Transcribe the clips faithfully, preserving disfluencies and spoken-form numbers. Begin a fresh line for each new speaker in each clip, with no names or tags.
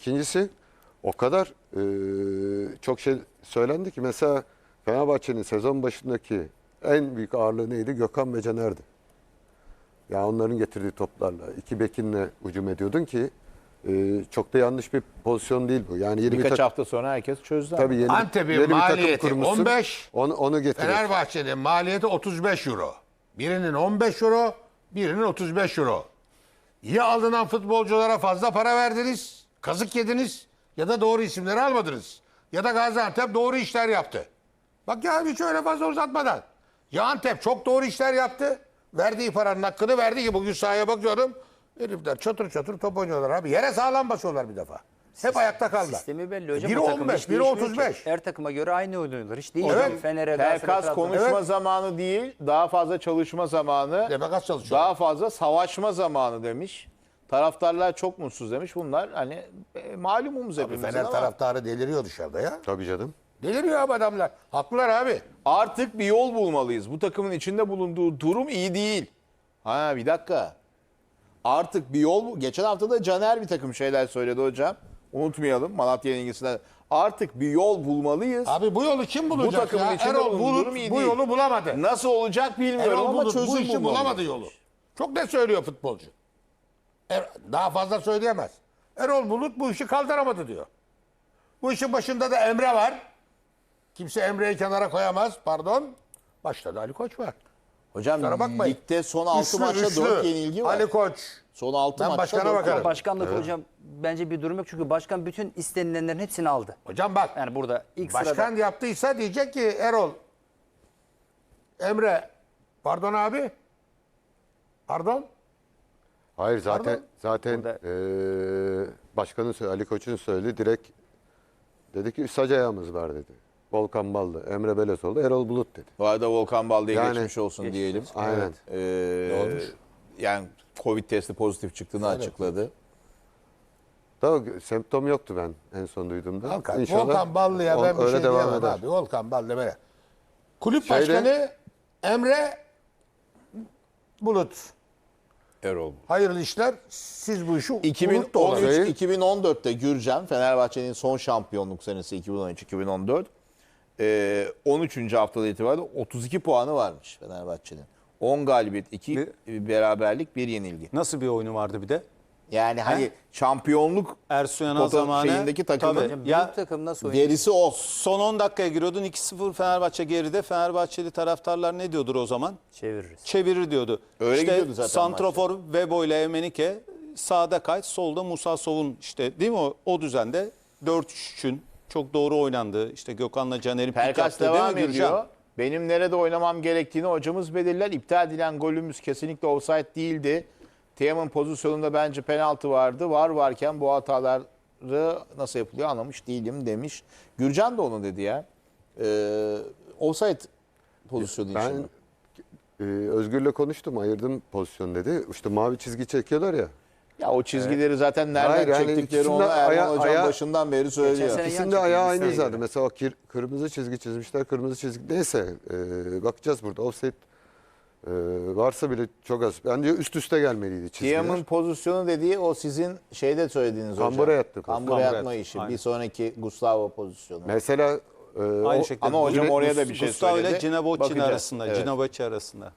İkincisi o kadar e, çok şey söylendi ki mesela Fenerbahçe'nin sezon başındaki en büyük ağırlığı neydi? Gökhan ve Caner'di. Ya onların getirdiği toplarla iki bekinle hücum ediyordun ki e, çok da yanlış bir pozisyon değil bu. Yani yeni
Birkaç
bir tak-
hafta sonra herkes çözdü.
tabii yeni,
Antep'in
yeni bir takım
maliyeti
kurmuşsun.
on beş,
onu, onu getiriyor.
Fenerbahçe'nin maliyeti otuz beş euro. Birinin on beş euro, birinin otuz beş euro. Ya alınan futbolculara fazla para verdiniz, kazık yediniz ya da doğru isimleri almadınız. Ya da Gaziantep doğru işler yaptı. Bak ya hiç öyle fazla uzatmadan. Ya Antep çok doğru işler yaptı. Verdiği paranın hakkını verdi ki bugün sahaya bakıyorum. Herifler çatır çatır top oynuyorlar abi. Yere sağlam basıyorlar bir defa. Hep ayakta kaldılar.
Sistemi belli hocam.
Biri
O takımda
on beş,
hiç
biri
değişmiyor
otuz
ki.
beş.
Her takıma göre aynı oynuyorlar. Hiç değişmiyor.
Evet.
Fener'e, Galatasaray'a,
Pelkas
Trabzon'a.
konuşma
Evet.
zamanı değil, daha fazla çalışma zamanı,
Demek az çalışıyor.
daha fazla savaşma zamanı demiş. Taraftarlar çok mutsuz demiş. Bunlar hani e, malumumuz
Abi
hepimizin
Fener
ama
taraftarı deliriyor dışarıda ya.
Tabii canım.
Deliriyor abi adamlar. Haklılar abi.
artık bir yol bulmalıyız. Bu takımın içinde bulunduğu durum iyi değil. Ha bir dakika. Artık bir yol bu. Geçen hafta da Caner bir takım şeyler söyledi hocam. Unutmayalım Malatya yenilgisinden. Artık bir yol bulmalıyız.
Abi bu yolu kim bulacak
Bu takımın
ya?
içinde
Erol
bulunduğu
Bulut
durum iyi
bu
değil.
yolu bulamadı.
Nasıl olacak bilmiyorum
Erol
ama
Bulut
çözüm
bu işi
bulmalı.
bulamadı yolu. Çok net söylüyor futbolcu. Er- Daha fazla söyleyemez. Erol Bulut bu işi kaldıramadı diyor. Bu işin başında da Emre var. Kimse Emre'yi kenara koyamaz. Pardon. Başta da Ali Koç var.
Hocam
Kusura bakmayın.
ligde son altı
Üçlü,
maçta
üçlü.
dört yenilgi var.
Ali Koç.
Son altı
Ben
maçta
başkana
dört
bakarım.
yenilgi.
Başkanlık hocam bence bir durum yok. Çünkü başkan bütün istenilenlerin hepsini aldı.
Hocam bak.
Yani burada ilk
Başkan
sırada.
yaptıysa diyecek ki Erol, Emre, pardon abi. Pardon.
Hayır zaten
Pardon?
zaten eee başkanın söyle- Ali Koç'un söyledi direkt dedi ki sac ayağımız var dedi. Volkan Ballı, Emre Belezoğlu, Erol Bulut dedi.
Bu arada Volkan Balde'ye
Yani-
geçmiş olsun diyelim.
Aynen.
Ee, yani Covid testi pozitif çıktığını açıkladı.
Daha semptom yoktu ben en son duyduğumda.
Volkan,
İnşallah
Volkan Ballı'ya
o-
ben bir
öyle
şey
devam
diyemem
eder.
abi. Volkan Ballı böyle. Kulüp
Şeyde-
başkanı Emre Bulut.
Erol.
Hayırlı işler. Siz bu işi Bulut da
iki bin on üç
olabilir.
Şey-
iki bin on dörtte Gürcan, Fenerbahçe'nin son şampiyonluk senesi iki bin on üç iki bin on dört. Ee, on üçüncü haftada itibariyle otuz iki puanı varmış Fenerbahçe'nin. on galibiyet, iki beraberlik, bir yenilgi.
Nasıl bir oyunu vardı bir de?
Yani hani şampiyonluk
Ersun Yanal
foto-
zamanı.
şeyindeki takımın
Tabii.
Hocam
Ya,
büyük takım nasıl oynuyor?
gerisi o.
son on dakikaya giriyordun iki sıfır Fenerbahçe geride. Fenerbahçeli taraftarlar ne diyordur o zaman?
Çeviririz.
Çevirir diyordu.
Öyle
işte
gidiyordu zaten
santrafor Vebo ile Emenike, sağda Kayt, solda Musa Sov'un işte değil mi o, o düzende dört üç üçün çok doğru oynandı. İşte Gökhan'la Caner'in pik
Pelkas
yaptığı değil
devam
mi Gürcan?
ediyor. Benim nerede oynamam gerektiğini hocamız belirler. İptal edilen golümüz kesinlikle offside değildi. Tiam'ın pozisyonunda bence penaltı vardı. Var varken bu hataları nasıl yapılıyor anlamış değilim demiş. Gürcan da onu dedi ya. Ee, offside pozisyonu
Ben
için.
e, Özgür'le konuştum, ayırdım pozisyon dedi. İşte mavi çizgi çekiyorlar ya.
Ya o çizgileri zaten nereden
Hayır, yani
çektikleri
ikisinde
onu Erman
aya-
Hocam
aya-
başından beri söylüyor.
sene-
İkisinin
yan
de ayağı
çizgi,
aynı
göre.
zaten. Mesela o kir- kırmızı çizgi çizmişler, kırmızı çizgi. Neyse e, bakacağız burada. Offside e, varsa bile çok az. Bence üst üste gelmeliydi çizgiler.
Tiam'ın pozisyonu dediği o sizin şeyde söylediğiniz hocam.
Kambura yattı.
Kambura
Kambura
yatma
yattı,
işi.
aynen.
Bir sonraki Gustavo pozisyonu.
Mesela e,
Aynı
o-
şekilde.
ama hocam
Gune-
oraya da bir şey
Gustavo
söyledi.
ile Cinabocci
Bakacağız.
arasında.
Evet.
Cinabocci arasında.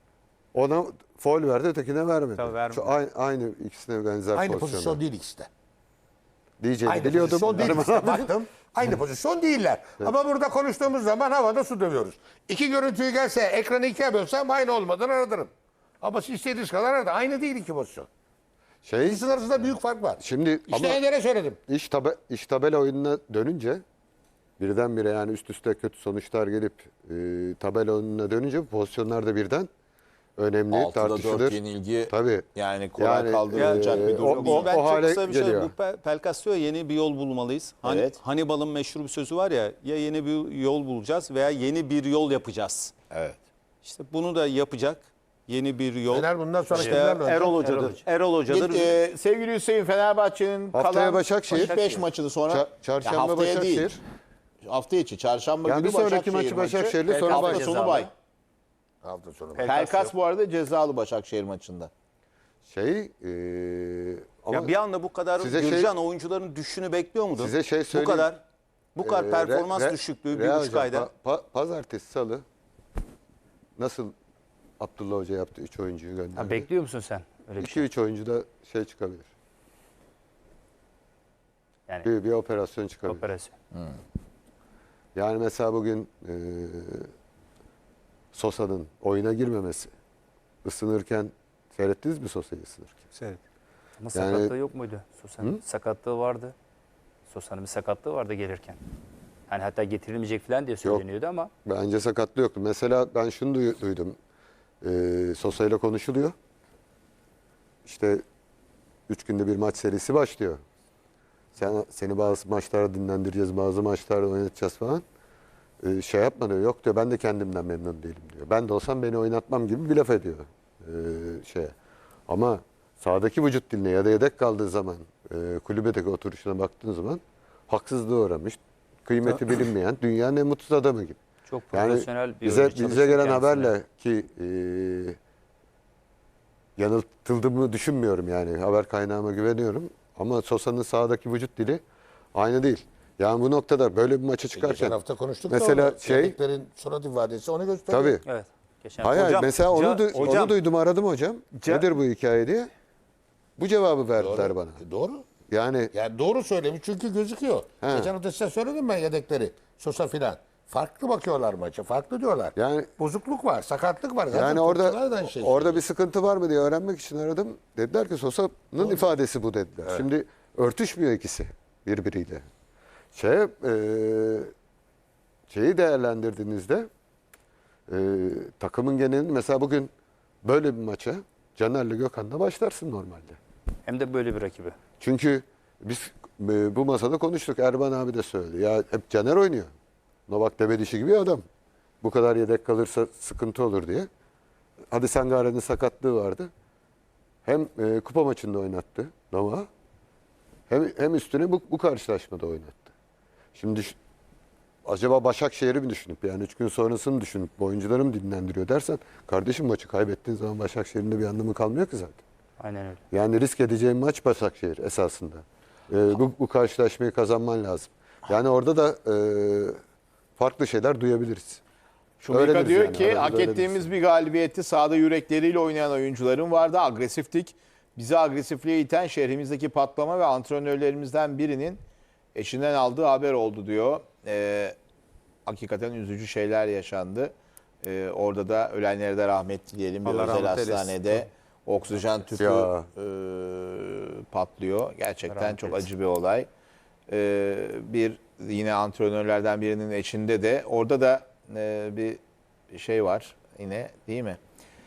ona faul verdi, ötekine vermedi.
Tabii vermedi.
Şu aynı, aynı ikisine benzer
Aynı
pozisyonlar.
pozisyon değil ikisi de.
Diyeceğini
Aynı
biliyordum.
pozisyon değil
Benim-
işte. Baktım. Aynı pozisyon değiller. Ama burada konuştuğumuz zaman havada su dövüyoruz. İki görüntüyü gelse ekranı ikiye bölsem aynı olmadan aradırım. Ama siz istediğiniz kadar aradı. Aynı değil iki pozisyon.
Şey,
İkisinin arasında büyük fark var.
şimdi
İşte
ama
Ener'e söyledim.
iş, tabe, iş tabela oyununa dönünce birdenbire yani üst üste kötü sonuçlar gelip e, tabela oyununa dönünce bu pozisyonlar da birden önemli,
Altıda
tartışılır.
dört yenilgi
Tabii.
yani kolay
Yani,
kaldırılacak
e,
bir durum
o-
değil.
o-
Ben çok
hale
kısa bir şey
geliyor.
bu Pe- Pelkas diyor ya, yeni bir yol bulmalıyız. Han,
Evet.
Hannibal'ın meşhur bir sözü var ya, ya yeni bir yol bulacağız veya yeni bir yol yapacağız.
Evet.
İşte bunu da yapacak. Yeni bir yol.
Fener bundan sonra
İşte
kimlerle oynayacak?
Erol Hoca'dır. Erol Hoca'dır.
Git, e, sevgili Hüseyin, Fenerbahçe'nin
Haftaya
kalan
Başakşehir.
beş maçını sonra
Ça- Çarşamba
Ya haftaya
Başakşehir.
değil. Hafta içi çarşamba
Yani
günü
bir sonraki
Başakşehir
maçı Başakşehir'le, sonra
hafta
Başakşehir.
sonu bay.
Hafta sonu.
Pelkas bu arada cezalı Başakşehir maçında.
Şey, e, Ama
ya bir anda bu kadar
size şey-
Gürcan oyuncuların düşüşünü bekliyor muydun?
Size şey
Bu
söyleyeyim.
kadar bu kadar
Ee,
performans
Re- Re-
düşüklüğü bir
Real
buçuk
hocam,
ayda.
pa- pa- pazartesi, salı nasıl Abdullah Hoca yaptı? Üç oyuncuyu gönderdi.
Ha, bekliyor musun sen öyle bir
İki
şey?
üç oyuncu da şey çıkabilir.
Yani
Bir, bir operasyon çıkabilir.
operasyon.
Yani mesela bugün e, Sosa'nın oyuna girmemesi. Isınırken seyrettiniz mi Sosa'yı ısınırken?
Evet.
Ama
Yani-
sakatlığı yok muydu? Sosa'nın sakatlığı vardı. Sosa'nın bir sakatlığı vardı gelirken. Hani hatta getirilmeyecek falan diye söyleniyordu ama
Bence sakatlığı yoktu. Mesela ben şunu duy- duydum. E, Sosa ile konuşuluyor. İşte üç günde bir maç serisi başlıyor. Sen, seni bazı maçlarda dinlendireceğiz, bazı maçlarda oynatacağız falan. Ee, şey yapma diyor. Yok diyor, ben de kendimden memnun değilim diyor. Ben de olsam beni oynatmam gibi bir laf ediyor. Ee, şeye. Ama sahadaki vücut diline ya da yedek kaldığı zaman e, kulübedeki oturuşuna baktığın zaman haksızlığa uğramış. Kıymeti bilinmeyen dünyanın en mutsuz adamı gibi.
çok
Yani
profesyonel bir
bize,
oyuncu
bize
çalıştı
gelen
kendisine.
haberle ki e, yanıltıldığımı düşünmüyorum yani. Haber kaynağıma güveniyorum. Ama Sosa'nın sahadaki vücut dili aynı değil. Yani bu noktada böyle bir maça
Geçen
çıkarken
hafta konuştuk
mesela
da orada
şey
yedeklerin surat ifadesi onu gösteriyor.
tabii.
Evet. Geçen
Hayır, hayır,
Hocam,
mesela onu,
ca-
du-
hocam-
onu duydum, aradım hocam.
Ca-
Nedir bu hikaye diye. Bu cevabı verdiler
Doğru.
bana.
E, Doğru.
Yani
Yani doğru söylemiş çünkü gözüküyor.
He.
Geçen hafta size söyledim ben yedekleri. Sosa filan. Farklı bakıyorlar maça. Farklı diyorlar.
Yani-
bozukluk var, sakatlık var. Zaten
yani orada
topçular da aynı şey
orada
söylüyor.
bir sıkıntı var mı diye öğrenmek için aradım. Dediler ki Sosa'nın ifadesi bu dediler. Şimdi örtüşmüyor ikisi birbiriyle. Şey e, şeyi değerlendirdiğinizde e, takımın genelini mesela bugün böyle bir maça Caner'le Gökhan'la başlarsın normalde.
Hem de böyle bir rakibi.
Çünkü biz e, bu masada konuştuk. Erban abi de söyledi. Ya hep Caner oynuyor. Novak Debedişi gibi adam. Bu kadar yedek kalırsa sıkıntı olur diye. Hadi Sangare'nin sakatlığı vardı. Hem e, kupa maçında oynattı Novak'ı. Hem, hem üstüne bu, bu karşılaşmada oynattı. Şimdi düş- acaba Başakşehir'i mi düşünüp yani üç gün sonrasını düşünüp bu oyuncuları mı dinlendiriyor dersen kardeşim maçı kaybettiğin zaman Başakşehir'in de bir anlamı kalmıyor ki zaten.
Aynen öyle.
Yani risk edeceğin maç Başakşehir esasında. Ee, bu, bu karşılaşmayı kazanman lazım. Yani orada da e, farklı şeyler duyabiliriz.
Şumika
Öğreniriz
diyor
yani,
ki
aramızda
hak
öğreniriz.
ettiğimiz bir galibiyeti sahada yürekleriyle oynayan oyuncuların vardı. Agresiftik. Bizi agresifliğe iten şehrimizdeki patlama ve antrenörlerimizden birinin eşinden aldığı haber oldu diyor. Ee, hakikaten üzücü şeyler yaşandı. Ee, orada da ölenlere de rahmet dileyelim. Bir
Allah
özel
rahmet eylesin.
hastanede oksijen tüpü
Ya.
e, patlıyor. Gerçekten
Rahmet
çok
eylesin.
acı bir olay. Ee, bir yine antrenörlerden birinin eşinde de orada da e, bir şey var yine değil mi?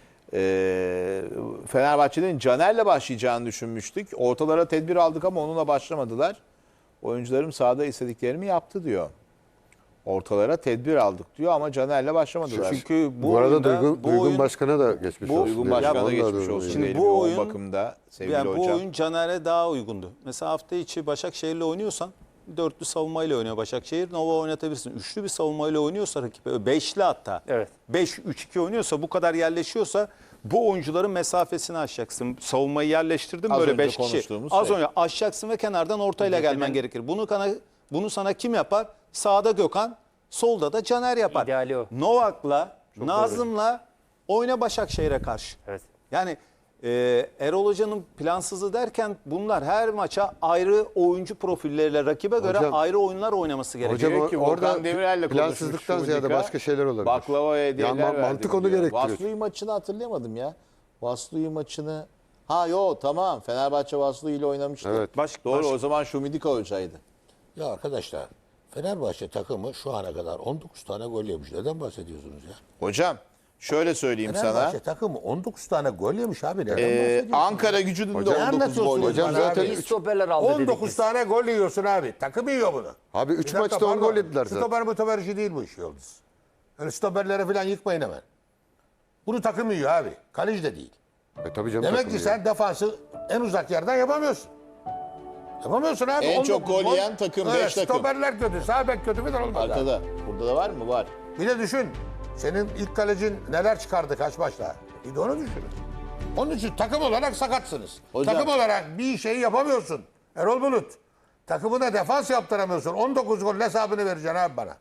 Ee, Fenerbahçe'nin Caner'le başlayacağını düşünmüştük. Ortalara tedbir aldık ama onunla başlamadılar. Oyuncularım sahada istediklerimi yaptı diyor. Ortalara tedbir aldık diyor ama Caner'le başlamadılar.
Çünkü bu,
Bu, arada
oyunda,
Duygun,
bu
Duygun
oyun,
Başkan'a da geçmiş
bu-
olsun.
Uygun
diyelim.
Başkan'a
Onu da
geçmiş
duyurayım.
olsun
Şimdi
diyelim
bu
yoğun
oyun-
bakımda sevgili
yani bu
hocam.
oyun Caner'e daha uygundu. Mesela hafta içi Başakşehir'le oynuyorsan dörtlü savunmayla oynuyor Başakşehir. Nova oynatabilirsin. Üçlü bir savunmayla oynuyorsa rakibe, beşli hatta.
Evet.
beş üç iki oynuyorsa, bu kadar yerleşiyorsa bu oyuncuların mesafesini aşacaksın. Savunmayı yerleştirdin
Az
böyle
önce
beş kişi.
konuştuğumuz
Az
şey.
önce aşacaksın ve kenardan ortayla
Geçen-
gelmen gerekir. Bunu kana, bunu sana kim yapar? Sağda Gökhan, solda da Caner yapar.
İdeali o.
Novak'la, Nazım'la oyna Başakşehir'e karşı.
Evet.
Yani e, Erol Hoca'nın plansızı derken bunlar her maça ayrı oyuncu profilleriyle rakibe göre
Hocam-
ayrı oyunlar oynaması gerekiyor.
Hocam
Diyor ki
o- orada
Volkan Demirel'le konuşmuş
plansızlıktan ziyade
Şumika.
başka şeyler olabilir.
Baklava hediyeler
Yani ma-
verdim
mantık onu
diyor.
gerektiriyor.
Vaslui maçını hatırlayamadım ya. Vaslui maçını. Ha yo tamam Fenerbahçe Vaslui ile oynamıştı.
Evet.
Baş-
Doğru
baş-
o zaman Şumidika hocaydı.
Ya arkadaşlar Fenerbahçe takımı şu ana kadar on dokuz tane gol yemiş. Neden bahsediyorsunuz ya?
Hocam şöyle söyleyeyim sana.
Fenerbahçe takımı on dokuz tane gol yemiş abi. Neden
Ee,
bahsediyorsunuz?
Ankara gücünün de
Hocam,
on dokuz
anlatıyorsun
gol
hocam
yedi.
Hocam zaten
abi.
İyi stoperler aldı dedik
on dokuz
biz.
tane gol yiyorsun abi. Takım yiyor bunu.
Abi üç
Bir dakika,
maçta on
pardon.
gol yediler zaten.
Stoper motober işi değil bu iş Yıldız. Öyle stoperlere falan yıkmayın hemen. Bunu takım yiyor abi. Kaleci de değil.
E, tabii canım,
Demek
takım
ki
yani.
sen defansı en uzak yerden yapamıyorsun. Yapamıyorsun abi.
En
on
çok
dokuz
gol yiyen takım,
Evet,
beş takım.
Stoperler kötü, sağ bek kötü falan olmaz. abi.
Arkada. Burada da var mı? Var.
Bir de düşün. Senin ilk kalecin neler çıkardı kaç maçta? Bir de onu düşün. Onun için takım olarak sakatsınız.
Hocam-
Takım olarak bir şeyi yapamıyorsun. Erol Bulut. Takımına defans yaptıramıyorsun. on dokuz gol hesabını vereceksin abi bana.